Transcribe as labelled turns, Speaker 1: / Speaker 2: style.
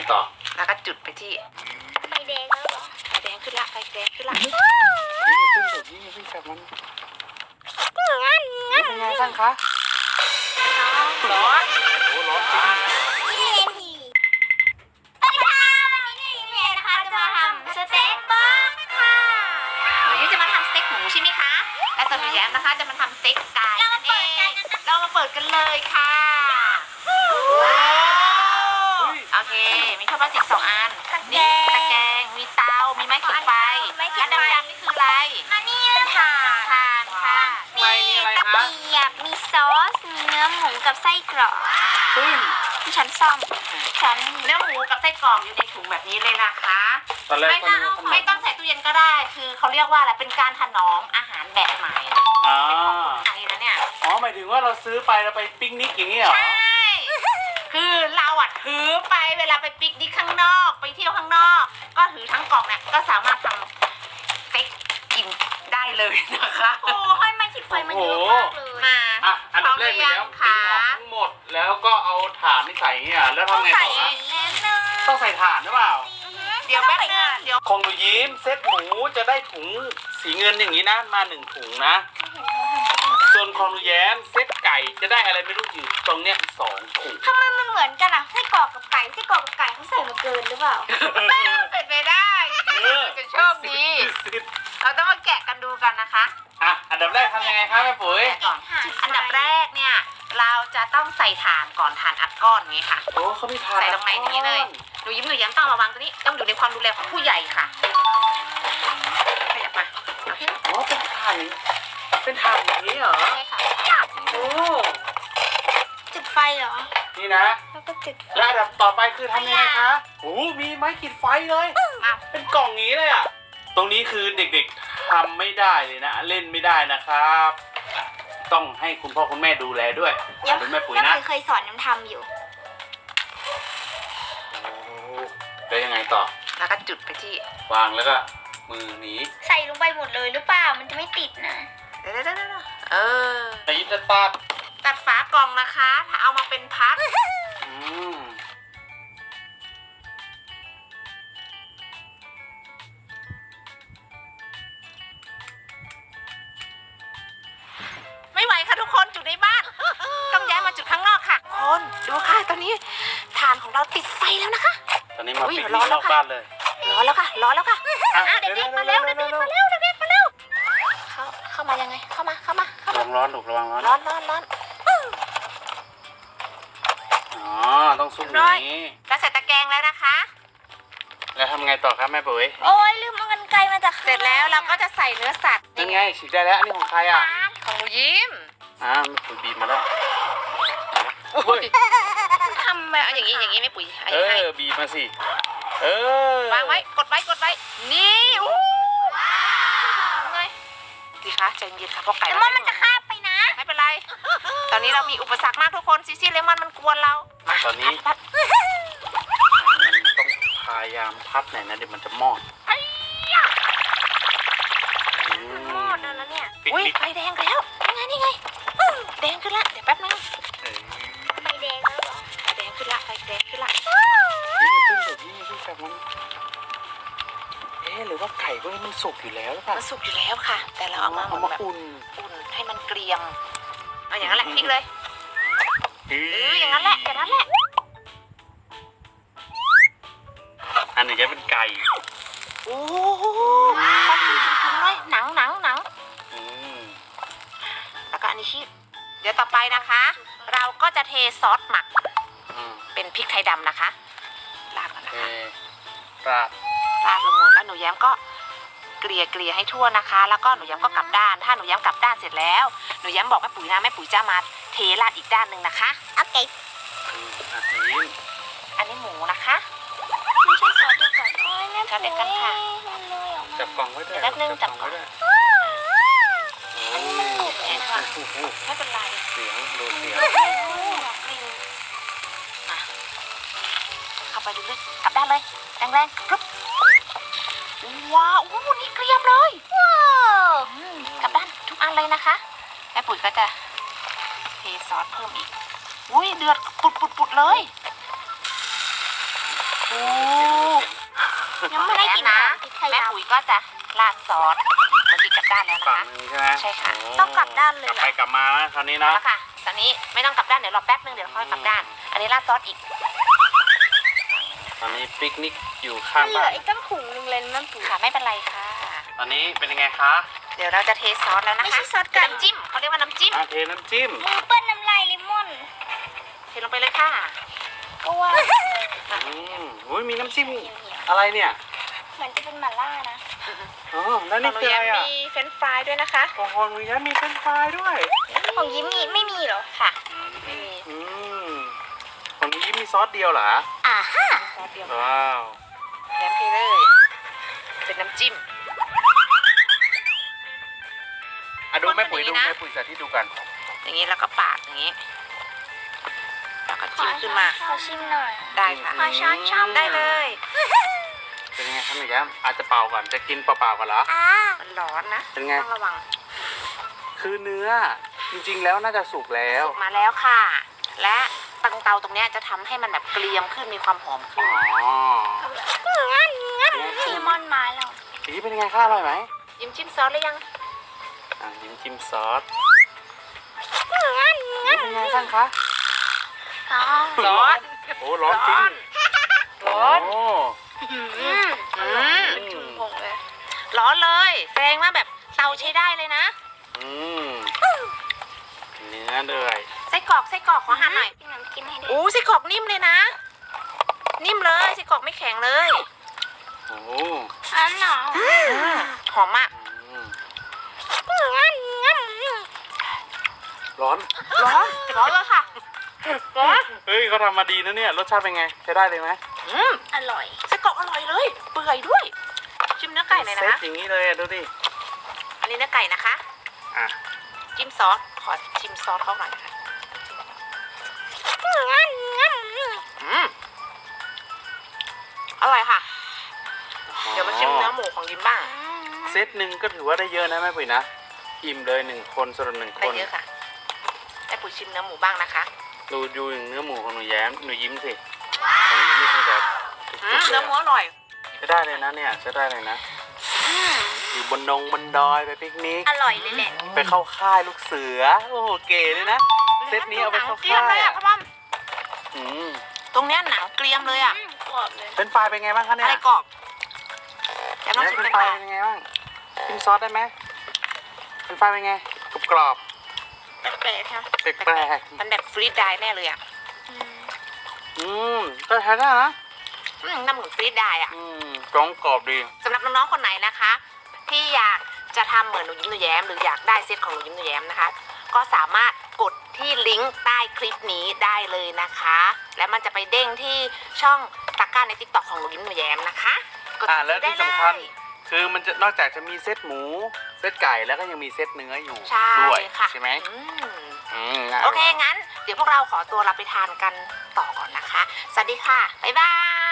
Speaker 1: ต่อ
Speaker 2: แล้วก็จุดไปที่
Speaker 3: ไฟแดงแล้วเหรอ
Speaker 2: ไฟแดงขึ้นละไฟแดงขึ้นละ
Speaker 1: นี่ขึ้นแบบนี้ขึ้นแบบมันนี่เป็นไงบ้างคะร้อนโอ้ร้อนจริง
Speaker 3: นี่เองสิสวัสดีค่ะวันนี้นี่เองนะคะจะมาทำสเต็กบ้างค่ะ
Speaker 2: หนูยิ้มจะมาทำสเต็กหมูใช่ไหมคะและส่วนหนูแย้มนะคะจะมาทำสเต็กไก่นั่นเองเรามาเปิดกันเลยค่ะโอเคมีท่อพลาสติก2 อันนี่ตะแกรงมีเตามีไม้ขีดไฟและดำๆนี่คืออะไร
Speaker 3: อันนี้ค่ะ
Speaker 2: ถ่านค่ะ
Speaker 3: มีตะเกียบมีซอสมีเนื้อหมูกับไส้กรอกที่ฉันซ่อมฉัน
Speaker 2: เนื้อหมูกับไส้กรอกอยู่ในถุงแบบนี้เลยนะคะไม่ต้องใส่ตู้เย็นก็ได้คือเขาเรียกว่าอะไรเป็นการถนอมอาหารแบบใหม่เป็นของคนไทยนะเนี่ย
Speaker 1: หมายถึงว่าเราซื้อไปเราไปปิกนิกอย่างนี้เหรอ
Speaker 2: ใช่คือเราถือไปเวลาไปปิกนิกข้างนอกไปเที่ยวข้างนอกก็ถือทั้งกล่องเนี่ยก็สามารถทำสเต็กกินได้เลยนะคะ
Speaker 3: โอ้ยไม่คิดไฟมันเยอะมากเลย
Speaker 2: มา
Speaker 1: อันดับแรกเลยแล้วดึงออกทั้งหมดแล้วก็เอาถ่านนี่ใส่เนี่ยแล้วทำไงต่อต้องใส่ถ่านหรือเปล่า
Speaker 2: เดี๋ยวแป๊บนึงเดี๋ยว
Speaker 1: คงดูยิ้มเซตหมูจะได้ถุงสีเงินอย่างนี้นะมา1 ถุงนะส่วนของดูแย้มเซตไก่จะได้อะไรไม่รู้อยู่ตรงเนี้ย2 ถุง
Speaker 3: ทำไมมันเหมือนกันอ่ะไส้กรอกกับไก่เขาใส่มาเกินหรือเปล่า
Speaker 2: เป็นไปได้จะโชคดีเราต้องมาแกะกันดูกันนะคะ
Speaker 1: อันดับแรกทำยังไงครับแม่ปุ๋ย
Speaker 2: ก่อนอันดับแรกเนี่ยเราจะต้องใส่ถ่านก่อนถ่านอัดก้อนนี้ค่ะ
Speaker 1: โอ้เขามีถ่าน
Speaker 2: ใส่ตรงไหนนี้เลยหนูยิ้มต้องระวังตัวนี้ต้องอยู่ในความดูแลของผู้ใหญ่ค่ะขยับมา
Speaker 1: อ๋อเป็นถ่านอย่างนี้เหรอ
Speaker 2: ใช่ค่ะ
Speaker 1: โอ้
Speaker 3: จุดไฟเหรอ
Speaker 1: นี่นะ
Speaker 3: แล้วก็จุด
Speaker 1: แล้วอันดับต่อไปคือทำยังไงคะโอ้มีไม้ขีดไฟเลยเป็นกล่องนี้เลยอ่ะตรงนี้คือเด็กๆทำไม่ได้เลยนะเล่นไม่ได้นะครับต้องให้คุณพ่อคุณแม่ดูแลด้วยดูแม่ปุ๋ยนะ
Speaker 3: เคยสอนน้ำทำอยู่
Speaker 1: แล้วยังไงต่อ
Speaker 2: แล้วก็จุดไปที่
Speaker 1: วางแล้วก็มือหนี
Speaker 3: ใส่ลงไปหมดเลยหรือเปล่ามันจะไม่ติดนะ
Speaker 2: เดี๋ยว
Speaker 1: แต่ยิบจะ
Speaker 2: ตัดฝากล่องนะคะถ้าเอามาเป็นพักไม่ไหวค่ะทุกคนจุดในบ้านต้องย้ายมาจุดข้างนอกค่ะคนดูค่ะตอนนี้ถ่านของเราติดไฟแล้วนะคะ
Speaker 1: ตอนนี้มาปิดนอกบ้านเลย
Speaker 2: ร้อนแล้วค่ะเด็กๆมาเร็วเข้ามายังไงเข้ามา
Speaker 1: ระวังร้อนลูกระวังร้อนต้องซุ่มอย่างนี้
Speaker 2: แล้วใส่ตะแกรงแล้วนะคะ
Speaker 1: แล้วทำไงต่อครับแม่ปุ๋ย
Speaker 3: โอ้ยลืมเอากรรไกรมาจาก
Speaker 2: เสร็จแล้วเราก็จะใส่เนื้อสัตว์
Speaker 1: นี่ไงฉีกได้แล้วอันนี้ของใครอ่ะ
Speaker 2: ของหนูยิ้ม
Speaker 1: แม่ปุ๋ยบีบมาแล้ว
Speaker 2: ทำมาอย่างนี้ไม่ปุ๋ย
Speaker 1: บีบมาสิ
Speaker 2: วางไว้กดไว้นี่ไงดีคะใจเย็นค่ะเพราะไก่
Speaker 3: มันจะคาบไปนะ
Speaker 2: ไม่เป็นไรตอนนี้เรามีอุปสรรคมากทุกคนซิเลมอนมันกวนเรา
Speaker 1: ตอนนี้มันต้องพยายามพัดหน่อยนะเดี๋ยวมันจะมอด
Speaker 3: แล้วเนี่ย
Speaker 2: อุ้ยไฟแดงแล้วนี่ไงแดงขึ้นละเดี๋ยวแป๊บนึง
Speaker 3: ไฟแดงแล้วเหรอ
Speaker 2: ไฟแดงขึ้นละ
Speaker 1: นี่ขึ้นแบบมันหรือว่าไก่พวกนี้มันสุกอยู่แล้วหรือเปล่า
Speaker 2: มันสุกอยู่แล้วค่ะแต่เราเอามา
Speaker 1: อุ่น
Speaker 2: ให้มันเกรียมเอาอย่างนั้นแหละพลิกเลยอย่างนั้นแหละ
Speaker 1: อันนี้จะเป็นไก่
Speaker 2: โอ้โหมันจริงๆเลยหนังแล้วก็อันนี้ชีสเดี๋ยวต่อไปนะคะเราก็จะเทซอสหมักเป็นพริกไทยดำนะคะราดก่อนนะคะราดลงมือแล้วหนูแย้มก็เกลี่ยให้ทั่วนะคะแล้วก็หนูแย้มก็กลับด้านถ้าหนูแย้มกลับด้านเสร็จแล้วหนูแย้มบอกแม่ปุ๋ยนะแม่ปุ๋ยจะมาเทราดอีกด้านหนึ่งนะคะ
Speaker 3: โอเค
Speaker 2: อันนี้หมูนะคะ
Speaker 3: ไม่ใช่ซอสเดียวกัน
Speaker 2: ซอสเดียวกันค่ะ
Speaker 1: จับกล่องไว้ด้วย
Speaker 2: จับกล่องไม่เป็นไร
Speaker 1: เสียง
Speaker 2: เข้าไปดูเลยกลับด้านเลยแรงกรึบว้าวนี่เกรียมเลยกลับด้านทุกอันเลยนะคะแม่ปุ๋ยก็จะเทซอสเพิ่มอีกเดือดปุดเลย
Speaker 1: โอ้
Speaker 3: ยังไม่ได้กิน
Speaker 2: นะ
Speaker 3: พริกไทย
Speaker 2: แม่
Speaker 3: ด
Speaker 2: ปุ๋ยก็จะราดซอสเมื่อกี้กลับด้านแล้วนะ
Speaker 1: ฝั่ง
Speaker 2: คะ
Speaker 1: หนึงใช่ไหม
Speaker 2: ใช่ค่ะ
Speaker 1: โ
Speaker 3: ต้องกลับด้านเลย
Speaker 1: กลับ
Speaker 3: เหร
Speaker 1: ไป
Speaker 3: อ
Speaker 1: กลับมานะคราวนี้
Speaker 2: เอา
Speaker 1: นะ
Speaker 2: ละค่ะ ตอนนี้ไม่ต้องกลับด้านเดี๋ยวรอแป๊บนึงเดี๋ยวค่อยกลับด้าน อันนี้ราดซอสอีก
Speaker 1: ตอนนี้ปิกนิกอยู่ข้าง
Speaker 3: เหลื
Speaker 1: บ้า
Speaker 3: อน อีกตั้งถุงนึงเลยนั่นปุ๋ย
Speaker 2: ค่ะไม่เป็นไรค่ะ
Speaker 1: ตอนนี้เป็นยังไงคะ
Speaker 2: เดี๋ยวเราจะเทซอสแล้วนะคะ
Speaker 3: ไม่ใช่ซอสไก่
Speaker 2: เป็นน้ำจิ้มเขาเรียกว่าน้ำจิ้ม
Speaker 1: เทน้ำจิ้ม
Speaker 3: มือเปิ้ลน้ำลายเลมอน
Speaker 2: เทลงไปเลยค่ะ
Speaker 3: ก็ว่า
Speaker 1: อุ้ยมีน้ำจิ้มอะไรเนี่ย
Speaker 3: เหมือนจะเป็นหม่าล่านะ
Speaker 1: อ๋อแล้ว
Speaker 2: ขอ
Speaker 1: นี่
Speaker 2: งหนู
Speaker 1: คือ
Speaker 2: แย้
Speaker 1: อะไร
Speaker 2: ม
Speaker 1: อ่ะ
Speaker 2: มีเฟรนช์ฟรายด้วยนะคะ
Speaker 1: โอ้โหหนูแย้มมีเฟรนช์ฟรายด้วย
Speaker 3: ของยิ้มมีไม่มีเหรอ
Speaker 2: ค่ะไม่มี
Speaker 1: อืมของหนูยิ้มมีซอสเดียวเหรอ
Speaker 3: อ่าฮะ
Speaker 2: ซอสเดียว
Speaker 1: ว้าว
Speaker 2: แย้มเทเลย เป็นน้ำจิ้ม
Speaker 1: อ่ะดูแม่ปุ๋ย
Speaker 2: คนเป็น
Speaker 1: ดู
Speaker 2: อย่างนี้นะ
Speaker 1: แม่ปุ๋ยสาธิตดูกัน
Speaker 2: อย่างนี้แล้วก็ปาดอย่างนี้แล้วก็จิ้มขึ้นมา
Speaker 3: ขอชิมหน่อย
Speaker 2: ได้ค่ะ
Speaker 3: ขอช้อนช่อม
Speaker 2: ได้เลย
Speaker 1: เป็นยังไงครับหนูแย้มอาจจะเป่าก่อนจะกินเปล่าๆก่อนเหรอ
Speaker 3: อ่า
Speaker 2: มันร้อนนะ
Speaker 1: เป็นไง
Speaker 2: ต้องระวัง
Speaker 1: คือเนื้อจริงๆแล้วน่าจะสุกแล้ว
Speaker 2: สุกมาแล้วค่ะ และตังเตาตรงเนี้ยจะทำให้มันแบบเกรียมขึ้นมีความหอมขึ้น
Speaker 1: อ๋อ
Speaker 3: งั้นเลมอนมาแล้ว
Speaker 1: สีเป็นยังไงคะอร่อยไหม
Speaker 2: ยิ้มจิ้มซอสหรือยัง
Speaker 1: ยิ้มจิ้มซอสนี่เป็นไงบ้างคะ
Speaker 2: ร้อน
Speaker 1: โอ้ร้อนจริง
Speaker 2: ร้อน
Speaker 1: โอ้
Speaker 2: อืม
Speaker 3: ถุงผงเลย
Speaker 2: ร้อนเลยแสดงว่าแบบเตาใช้ได้เลยนะ
Speaker 1: อืมเนื้อเลย
Speaker 2: ไส้กรอกขอหั่นหน่อย
Speaker 3: พี่น้ำกินให้ด้วย
Speaker 2: อู้ไส้กรอกนิ่มเลยนะ นิ่มเลยไส้กรอกไม่แข็งเลย
Speaker 1: โอ้
Speaker 3: อันเหรอ
Speaker 2: หอมมาก
Speaker 1: อืม
Speaker 3: งั้น
Speaker 1: ร้อน
Speaker 2: ร้อนร้อนเลยค่ะร้อน
Speaker 1: เฮ้ยเขาทำมาดีนะเนี่ยรสชาติเป็นไงใช้ได้เลยไหม
Speaker 3: อร่อย
Speaker 2: ไส้กรอกอร่อยเลย เปื่อยด้วย ชิมเนื้อไก่เลย
Speaker 1: เซ
Speaker 2: นะ
Speaker 1: ตอย่างนี้เลยอะดูดิ
Speaker 2: อันนี้เนื้อไก่นะคะ
Speaker 1: อ่ะ
Speaker 2: จิ้มซอส ขอชิมซอสเขาหน่อยค่ะอร่อยค่ะ เดี๋ยวมาชิมเนื้อหมูของยิ้มบ้าง
Speaker 1: เซตหนึ่งก็ถือว่าได้เยอะนะแม่ปุ๋ยนะอิ่มเลย1 คนสำหรับ1 ค
Speaker 2: ได้
Speaker 1: น
Speaker 2: เยอะค่ะได้ปุ๋ยชิมเนื้อหมูบ้างนะคะ
Speaker 1: ดูอย่างเนื้อหมูของหนูแย้มหนูยิ้มสิของหนูยิ้มนี่คือแบบสุดๆเล
Speaker 2: เนื้อย หมูอร่อย
Speaker 1: ใช้ได้เลยนะเนี่ยใช้ได้เลยนะอยู่บนดอยไปปิกนิก
Speaker 3: อร่อยเลยแหละ
Speaker 1: ไปเข้าค่ายลูกเสือโอ้โหเก๋เลยนะเซตนี้เอาไปเข้า
Speaker 2: เกรียม
Speaker 1: ค่า
Speaker 2: เลย ยอ่ะ
Speaker 1: อะ
Speaker 2: พ่อป้อม
Speaker 1: อืม
Speaker 2: ตรงเนี้ยหนังเกรียมเลยอ่ะ
Speaker 3: กรอบเลย
Speaker 1: เป็นไฟรายเป็นไงบ้างคะเนี่
Speaker 2: อะ
Speaker 1: ย
Speaker 2: ไรกรอบแกลองชิม
Speaker 1: เป็
Speaker 2: เป็น น
Speaker 1: ไฟ
Speaker 2: ไฟ
Speaker 1: รายเป็นไงบ้างกินซอสได้ไหมเป็นไฟรายเป็นไงกรอบ
Speaker 3: แปลกๆค่ะ
Speaker 1: ๆแปลก
Speaker 2: มันแบบฟรีดไดร์แน่เลยอ่ะ
Speaker 1: ๆก็ใช้ได้นะ
Speaker 2: น้ำเหมือนฟรีดไดร์อ่ะ
Speaker 1: กรองกรอบดี
Speaker 2: สำหรับน้องๆคนไหนนะคะ ที่อยากจะทำเหมือนหนูยิ้มหนูแย้มหรืออยากได้เซตของหนูยิ้มหนูแย้มนะคะ ก็สามารถกดที่ลิงก์ใต้คลิปนี้ได้เลยนะคะ และมันจะไปเด้งที่ช่องตะกร้าใน TikTok ของหนูยิ้มหนูแย้มนะคะกด
Speaker 1: แล้ว
Speaker 2: ได้
Speaker 1: ที่
Speaker 2: เล
Speaker 1: สำคัญ
Speaker 2: ย
Speaker 1: คือมันจะนอกจากจะมีเซตหมูเซตไก่แล้วก็ยังมีเซตเนื้ออยู่
Speaker 2: ใช่
Speaker 1: ด้วย
Speaker 2: ค่ะ
Speaker 1: ใช่ไหม
Speaker 2: ง่ายโอเคงั้น เดี๋ยวพวกเราขอตัวเราไปทานกันต่อก่อนนะคะ สวัสดีค่ะบ๊ายบาย